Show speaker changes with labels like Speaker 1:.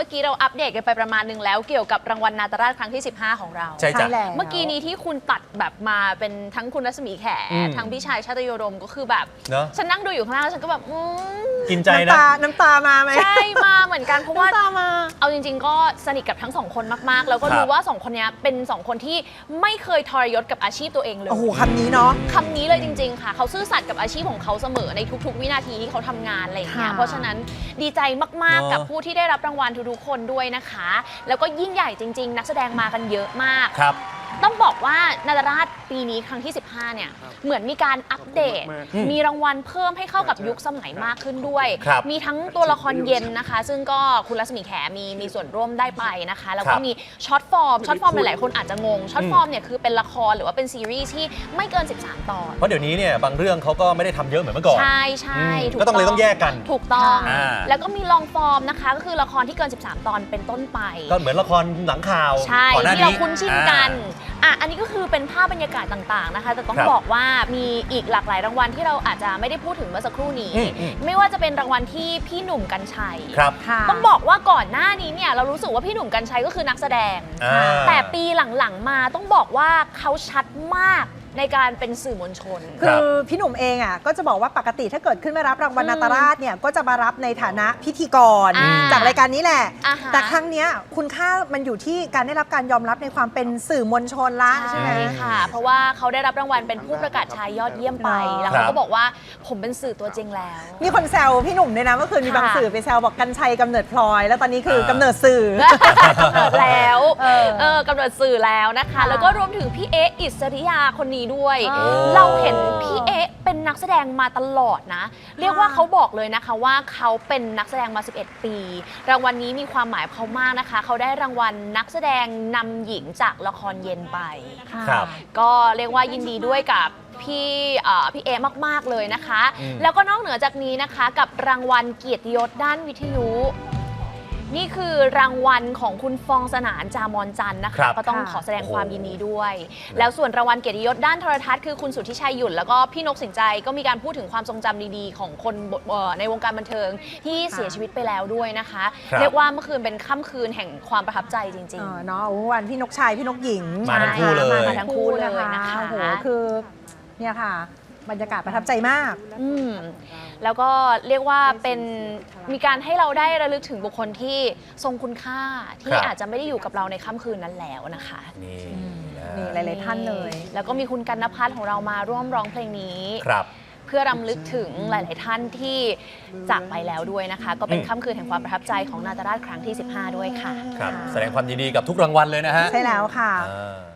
Speaker 1: มื่อกี้เราอัปเดตกันไปประมาณนึงแล้วเกี่ยวกับรางวัลนาตราชครั้งที่ 15 ของเรา
Speaker 2: ใช่จ้ะ
Speaker 1: เมื่อกี้นี้ที่คุณตัดแบบมาเป็นทั้งคุณรัศมีแขทั้งพี่ชายชาตยโดมก็คือแบบ
Speaker 2: เนอะ
Speaker 1: ฉันนั่งดูอยู่ข้างล่างแล้วฉันก็แบบ
Speaker 2: กินใจนะ
Speaker 3: น้ำตามาไหม
Speaker 1: ใช่มาเหมือนกันเพราะว่า
Speaker 3: น้ำตามา
Speaker 1: เอาจริงๆก็สนิทกับทั้งสองคนมากๆ แล้วก็รู้ว่าสองคนนี้เป็นสองคนที่ไม่เคยทรยศกับอาชีพตัวเองเลย
Speaker 3: โอ้โหคำนี้เนาะ
Speaker 1: คำนี้เลยจริงๆค่ะเขาซื่อสัตย์กับอาชีพของเขาเสมอในทุกๆ วินาทีที่เขาทำงานอะไรอย่างเงี้ย
Speaker 3: ค่ะ
Speaker 1: เพราะฉะนั้นดีใจมากๆกับผู้ที่ได้รับรางวัลทุกๆคนด้วยนะคะ แล้วก็ยิ่งใหญ่จริงๆ นักแสดงมากันเยอะมาก
Speaker 2: ครับ
Speaker 1: ต้องบอกว่านาตราชปีนี้ครั้งที่ 15 เนี่ยเหมือนมีการอัปเดต มีรางวัลเพิ่มให้เข้ากับยุคสมัยมากขึ้นด้วย
Speaker 2: ครับ
Speaker 1: มีทั้งตัวละครเย็นนะคะ ซึ่งก็คุณรัศมีแขมีส่วนร่วมได้ไปนะคะ แล้วก็มีช็อตฟอร์มหลายๆคนอาจจะงงช็อตฟอร์มเนี่ยคือเป็นละครหรือว่าเป็นซีรีส์ที่ไม่เกิน 13 ตอน
Speaker 2: เพราะเดี๋ยวนี้เนี่ยบางเรื่องเขาก็ไม่ได้ทำเยอะเหมือนเมื่อก่อน
Speaker 1: ใช่ใช่ถูก
Speaker 2: ก็ต้องเลยต้องแยกกัน
Speaker 1: ถูกต้อง
Speaker 2: อ่า
Speaker 1: แล้วก็มีลองฟอร์มนะคะก็คือละครที่เกิน 13 ตอนเป็นต้นไป
Speaker 2: ก็เหมือนละครหลังข่าว
Speaker 1: ใช่
Speaker 2: ก่อนหน้า
Speaker 1: ที่
Speaker 2: นี้
Speaker 1: เราคุ้นชินกันอันนี้ก็คือเป็นภาพบรรยากาศต่างๆนะคะ แต่ต้อง
Speaker 2: ครับ
Speaker 1: บอกว่ามีอีกหลากหลายรางวัลที่เราอาจจะไม่ได้พูดถึงเมื่อสักครู่นี้
Speaker 2: อืม
Speaker 1: ไม่ว่าจะเป็นรางวัลที่พี่หนุ่มกรรชัย
Speaker 2: ครับ
Speaker 3: ค่ะ
Speaker 1: ต้องบอกว่าก่อนหน้านี้เนี่ยเรารู้สึกว่าพี่หนุ่มกรรชัยก็คือนักแสดง
Speaker 2: อ่า
Speaker 1: แต่ปีหลังๆมาต้องบอกว่าเขาชัดมากในการเป็นสื่อมวลชน
Speaker 3: คือพี่หนุ่มเองอ่ะก็จะบอกว่าปกติถ้าเกิดขึ้นมารับรางวัลนาตราชเนี่ยก็จะมารับในฐานะพิธีกร
Speaker 1: อ่า
Speaker 3: จากรายการนี้แหละ
Speaker 1: อ่าฮะ
Speaker 3: แต่ครั้งเนี้ยคุณค่ามันอยู่ที่การได้รับการยอมรับในความเป็นสื่อมวลชนละใช่ไหม
Speaker 1: ใช่ค่ะ เพราะว่าเขาได้รับรางวัลเป็นผู้ประกาศชายยอดเยี่ยมไป แล้วเขาก็บอกว่าผมเป็นสื่อตัวจริงแล้ว
Speaker 3: มีคนแซวพี่หนุ่มด้วยนะเมื่อคืนมี
Speaker 1: ค่ะ
Speaker 3: บางสื่อไปแซวบอกกัญชัยกำเนิดพลอย แล้วตอนนี้คือกำเนิดสื่อ
Speaker 1: กำเนิดแล้ว กำเนิดสื่อแล้วนะคะ
Speaker 3: ค่ะ
Speaker 1: แล้วก็รวมถึงพี่เอ๊ะอิสริยาคนนี้ด้วย
Speaker 3: อ๋อ
Speaker 1: เราเห็นพี่เอ๊ะเป็นนักแสดงมาตลอดนะ เรียกว่าเขาบอกเลยนะคะว่าเขาเป็นนักแสดงมา 11 ปี รางวัลนี้มีความหมายเขามากนะคะ เขาได้รางวัลนักแสดงนำหญิงจากละครเย็นไป
Speaker 2: ครับ
Speaker 1: ก็เรียกว่ายินดีด้วยกับพี่เอมากๆเลยนะคะ แล้วก็นอกเหนือจากนี้นะคะกับรางวัลเกียรติยศด้านวิทยุ นี่คือรางวัลของคุณฟองสนานจามอนจันทร์นะ
Speaker 2: ครั
Speaker 1: คะ
Speaker 2: บ
Speaker 1: ก็ต้องขอแสดงความยินดีด้วย แล้วส่วนรางวัลเกียรติยศด้านโทรทัศน์คือคุณสุทธิชัยหยุ่นแล้วก็พี่นกสินใจก็มีการพูดถึงความทรงจำดีๆ ของคนในวงการบันเทิงที่เสียชีวิตไปแล้วด้วยนะคะ
Speaker 2: ครับ
Speaker 1: เรียกว่าเมื่อคืนเป็นค่ำคืนแห่งความประทับใจจริง
Speaker 3: เนาะวันพี่นกชายพี่นกหญิง
Speaker 2: มาทั้งคู่เลย
Speaker 1: มาทั้งคู่เลยนะคะ
Speaker 3: โอ้โหคือเนี่ยค่ะ บรรยากาศประทับใจมาก
Speaker 1: แล้วก็เรียกว่าเป็นมีการให้เราได้ระลึกถึงบุคคลที่ทรงคุณค่าที่
Speaker 2: ครับ
Speaker 1: อาจจะไม่ได้อยู่กับเราในค่ำคืนนั้นแล้วนะคะ
Speaker 2: นี่
Speaker 3: นี่หลายๆท่านเลย
Speaker 1: แล้วก็มีคุณกันนภัทรของเรามาร่วมร้องเพลงนี้
Speaker 2: ครับ
Speaker 1: เพื่อรำลึกถึงหลาย ๆ ท่านที่จากไปแล้วด้วยนะคะ ก็เป็นค่ำคืนแห่งความประทับใจของนาตราชครั้งที่ 15 ด้วยค่ะ
Speaker 2: ครับ แสดงความยินดีกับทุกรางวัลเลยนะฮะ
Speaker 3: ใช่แล้วค่ะ
Speaker 2: อ่า